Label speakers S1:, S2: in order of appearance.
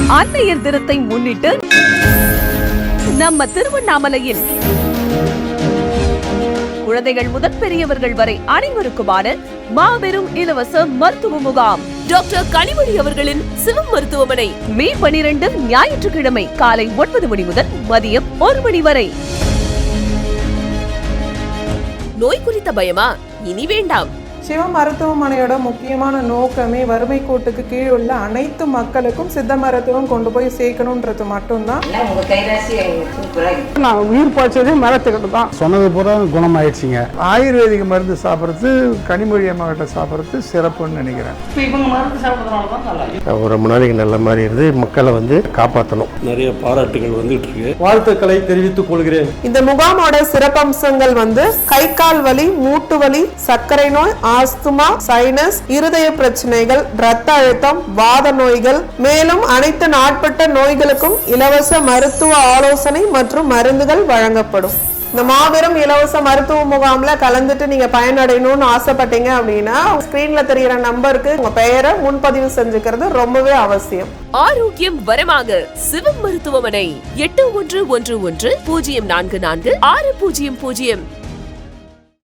S1: அன்னையர் தினத்தை முன்னிட்டு நம்ம திருவண்ணாமலையில் குழந்தைகள் முதல் பெரியவர்கள் வரை அனைவருக்குமான மாபெரும் இலவச மருத்துவ முகாம். டாக்டர் கனிமொழி அவர்களின் சிவம் மருத்துவமனை, மே 12 ஞாயிற்றுக்கிழமை காலை 9 மணி முதல் மதியம் 1 மணி வரை. நோய் குறித்த பயமா? இனி வேண்டாம்.
S2: சிவ மருத்துவமனையோட முக்கியமான நோக்கமே வறுமை கோட்டுக்கு கீழ் உள்ள அனைத்து மக்களுக்கும் சித்த மருத்துவம் கொண்டு போய் சேர்க்கணும்ன்றது மட்டும்தான்.
S3: நான் உயிர் பாய்ச்சதே மரத்துக்கிட்ட தான் சொன்னது பூரா குணமாயிடுச்சுங்க.
S4: ஆயுர்வேதிக் மருந்து சாப்பிட்றது, கனிமொழி அம்மா கிட்ட சாப்பிட்றது சிறப்புன்னு நினைக்கிறேன்.
S5: ரொம்ப நாளைக்கு நல்ல மாதிரி இருந்து மக்களை காப்பாற்றணும்.
S6: நிறைய பாராட்டுகள் வந்துட்டு இருக்கு.
S7: வாழ்த்துக்களை தெரிவித்துக் கொள்கிறேன்.
S2: இந்த முகாமோட சிறப்பம்சங்கள் கை கால் வலி, மூட்டு வலி, சர்க்கரை நோய், ஆஸ்துமா, சைனஸ், இருதய பிரச்சனைகள், இரத்த அழுத்தம், வாத நோய்கள், மேலும் அனைத்து நாட்பட்ட நோய்களுக்கும் இலவச மருத்துவ ஆலோசனை மற்றும் மருந்துகள் வழங்கப்படும். இந்த மாபெரும் இலவச மருத்துவ முகாம்ல கலந்துட்டு நீங்க பயனடையணும்னு ஆசைப்பட்டீங்க அப்படின்னா ஸ்கிரீன்ல தெரிகிற நம்பருக்கு உங்க பெயரை முன்பதிவு செஞ்சுக்கிறது ரொம்பவே அவசியம்.
S1: ஆரோக்கியம் வரமாக சிவம் மருத்துவமனை 8111 044 6000.